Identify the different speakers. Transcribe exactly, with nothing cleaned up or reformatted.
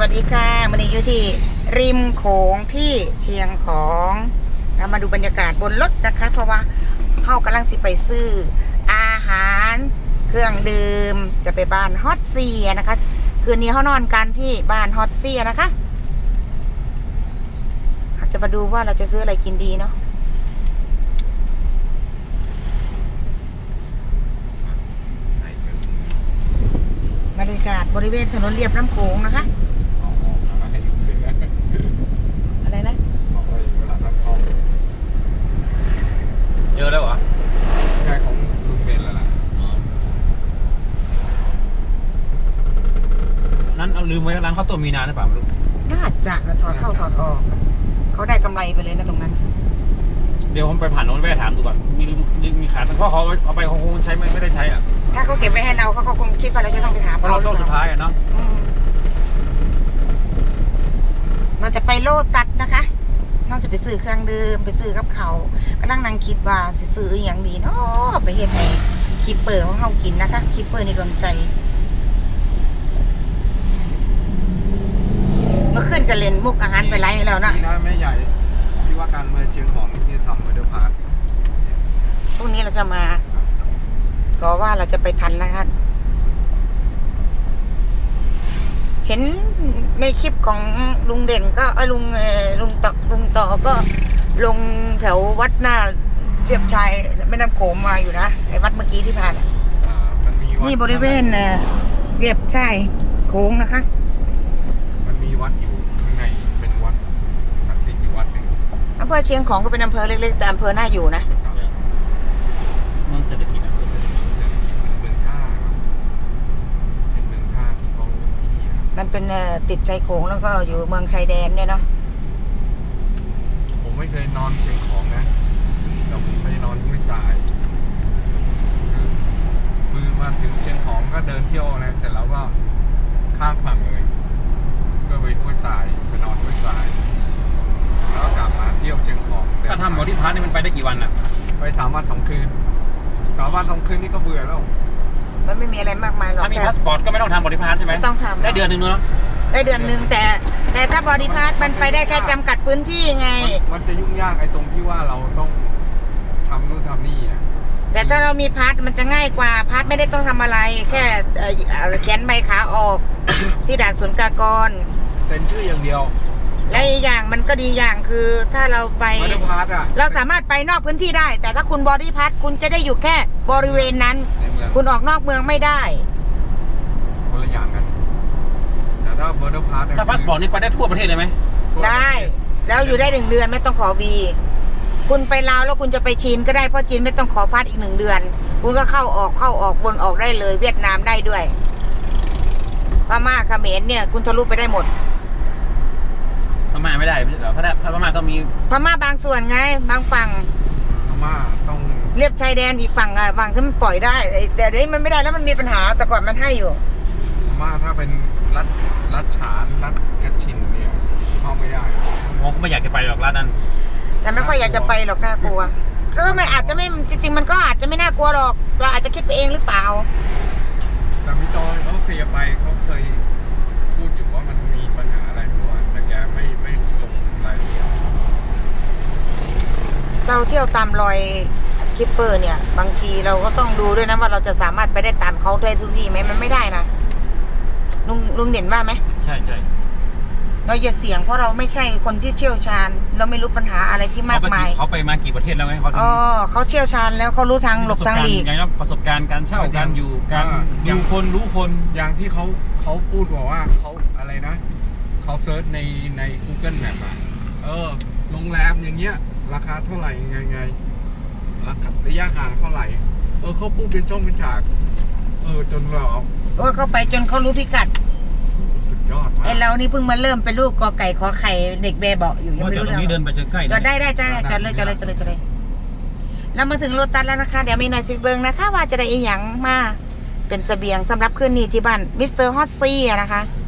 Speaker 1: วัสดีค่ะวันนี้อยู่ที่ริมโขงที่เชียงของเรามาดูบรรยากาศบนรถนะคะเพราะว่าเฮากำลังสิไปซื้ออาหารเครื่องดื่มจะไปบ้านฮอตเซียนะคะคืนนี้เฮานอนกันที่บ้านฮอตเซียนะคะจะมาดูว่าเราจะซื้ออะไรกินดีเนาะบรรยากาศบริเวณถนนเลียบน้ำโขงนะคะอะไรนะ
Speaker 2: เจอแล้วเหรอ
Speaker 3: ใช่ของลุงเบนแล้วล่ะ
Speaker 2: นั้นเอาลืมไว้ร้านข้าวต้มมีนานหรือเปล่าลูก
Speaker 1: น่าจะนะถอดเข้าถอดออกเขาได้กำไรไปเลยนะตรงนั้น
Speaker 2: เดี๋ยวผมไปผ่านโน้นไปถามดูก่อนมีมีขายแต่พ่อเขาเอาไปเขาคงใช้ไม่ไม่ได้ใช้อ่ะ
Speaker 1: ถ้าเขาเก็บไว้ให้เราเขาคงคิดว่าเราจะต้องไปถาม
Speaker 2: เพราะเราต้องสุดท้ายอ่ะเนาะ
Speaker 1: เราจะไปโลตัสนะคะเราจะไปซื้อเครื่องดื่มไปซื้อกับเขากำลังนั่งคิดว่าสิซื้ออย่างดีเนาะไปเฮ็ดให้คิปเปอร์ของเขากินนะคะคิปเปอร์ในดวงใจเมื่อคืนก็เล่นมุกอาหารไปไล่แล้วนะ
Speaker 3: นี่นะแม่ใหญ่ที่ว่าการเมืองเชียงของที่ทำมาเดอร์พาร์ค
Speaker 1: พรุ่งนี้เราจะมาก็ว่าเราจะไปทันนะคะเห็นในคลิปของลุงเด่นก็เออลุงลุงต่อลุงต่อก็ลงแถววัดหน้าเรียบชายแม่น้ำโขงมาอยู่นะไอ้วัดเมื่อกี้ที่ผ่านนี่บริเวณเรียบชายโขงนะคะ
Speaker 3: มันมีวัดอยู่ข้างในเป็นวัดศักดิ์สิทธิ์อยู่วัดหนึ่ง
Speaker 1: อำเภอเชียงของก็เป็นอำเภอเล็กๆแต่อำเภอน่าอยู่นะ
Speaker 2: เมืองเศรษฐกิจ
Speaker 3: เป็นเมืองท่าเป็นเมืองท่าที่เขา
Speaker 1: มันเป็นติดใจโขงแล้วก็อยู่เมืองชายแดนเนี่ยเนาะ
Speaker 3: ผมไม่เคยนอนเชียงของนะแต่ผมไปนอนห้วยทรายคือมาถึงเชียงของก็เดินเที่ยวนะเสร็จแล้วก็ข้ามฝั่งเลยเพื่อไปห้วยทรายไปนอนห้วยทรายแล้วกลับมาเที่ยวเชียงของ
Speaker 2: ถ้าทำบอดี้พาร์ทนี่มันไปได้กี่วันอ่ะ
Speaker 3: ไปสามวันสองคืนสามวันสองคืนนี่ก็เบื่อแล้ว
Speaker 1: มันไม่มีอะไรมากมายหรอก
Speaker 2: ถ้ามีพาสปอร์ตก็ไม่ต้องทำบอดี้พาร์ทใช่ไหม
Speaker 1: ไม่ต้องทำ
Speaker 2: ได้เดือนหนึ่งเนาะ
Speaker 1: ได้เดือนหนึ่งแต่แต่ถ้าบอดี้พาร์ทมันไปได้แค่จำกัดพื้นที่ไง
Speaker 3: มันจะยุ่งยากไอ้ตรงที่ว่าเราต้องทำนู่นทำนี่อ่ะ
Speaker 1: แต่ถ้าเรามีพาร์ทมันจะง่ายกว่าพาร์ทไม่ได้ต้องทำอะไรแค่เขียนใบขาออก ที่ด่านศุลกากร
Speaker 3: เซ็นชื่ออย่างเดียว
Speaker 1: และอีกอย่างมันก็ดีอย่างคือถ้าเราไปเราสามารถไปนอกพื้นที่ได้แต่ถ้าคุณบอดี้พาสคุณจะได้อยู่แค่บริเวณนั้นคุณออกนอกเมืองไม่ได้
Speaker 3: คนละอย่างกันแต่ถ้าบอดี้พาส
Speaker 2: ถ้าพาสปอร์ตนี่ไปได้ทั่วประเทศเลยไหม
Speaker 1: ได้แล้วอยู่ได้หนึ่งเดือนไม่ต้องขอวีคุณไปลาวแล้วคุณจะไปจีนก็ได้เพราะจีนไม่ต้องขอพาสอีกหนึ่งเดือนคุณก็เข้าออกเข้าออกวนออกได้เลยเวียดนามได้ด้วยพม่าเขมรเนี่ยคุณทะลุไปได้หมด
Speaker 2: พม่าไม่ได้เหรอพระพม่าต้องมี
Speaker 1: พม่าบางส่วนไงบางฝั่ง
Speaker 3: พม่าต้อง
Speaker 1: เรียบชายแดนอีกฝั่งอ่ะฝั่งที่มันปล่อยได้แต่เดี๋ยวนี้มันไม่ได้แล้วมันมีปัญหาแต่ก่อนมันให้อยู่
Speaker 3: พม่าถ้าเป็นรัฐรัฐฉานรัฐกระชินเนี่ยเข้าไม่ได้
Speaker 2: ผมก็ไม่อยากจะไปหรอกรัฐนั้น
Speaker 1: แต่ไม่ค่อยอยากจะไปหรอกน่ากลัวก็ไม่อาจจะไม่จริงๆมันก็อาจจะไม่น่ากลัวหรอกเราอาจจะคิดไปเองหรือเปล่า
Speaker 3: แต่พี่จอยเขาเสียไปเขาเคยพูดอยู่ว่ามันมีปัญหาอะไรไม่รู้แต่แกไม่ไม่ลงรายละเอียด
Speaker 1: เราเที่ยวตามรอยคิปเปอร์เนี่ยบางทีเราก็ต้องดูด้วยนะว่าเราจะสามารถไปได้ตามเขาได้ทุกที่ไหมมันไม่ได้นะลุงลุงเด่นว่าไหม
Speaker 2: ใช่ใช่
Speaker 1: เราอย่าเสี่ยงเพราะเราไม่ใช่คนที่เชี่ยวชาญเราไม่รู้ปัญหาอะไรที่มากมาย
Speaker 2: เขาไปมากี่ประเทศแล้วไงเขา
Speaker 1: อ๋อเขาเชี่ยวชาญแล้วเขารู้ทางหลบทางหลีก
Speaker 2: อย่างนั้นประสบการณ์การเช่าการอยู่การดูคนรู้คน
Speaker 3: อย่างที่เขาเขาพูดบอกว่าเขาอะไรนะเขาเซิร์ชในใน Google Map อ่ะเออโรงแรมอย่างเงี้ยราคาเท่าไหร่ไงไงราคาระยะห่างเท่าไหร่เออเขาพูดเป็นช่องเป็นฉากเออจนเรา
Speaker 1: โอ้เขาไปจนเขารู้พิกัด
Speaker 3: สุดยอด
Speaker 1: ไอเรานี่เพิ่งมาเริ่มเป็นลูกกอไก่ขอไข่เด็กเบย์บอกอยู่
Speaker 2: ยังไม่รู้เรื่องเดินไปจนใกล้
Speaker 1: จอดได้ได้จอดได้จอดเลยจอดเลยจอดเลยจอดเลยเรามาถึงโลตัสแล้วนะคะเดี๋ยวมีหน่อยสิเบิงนะคะว่าจะได้อีหยังมาเป็นเสบียงสำหรับคืนนี้ที่บ้านมิสเตอร์ฮอตซี่นะคะ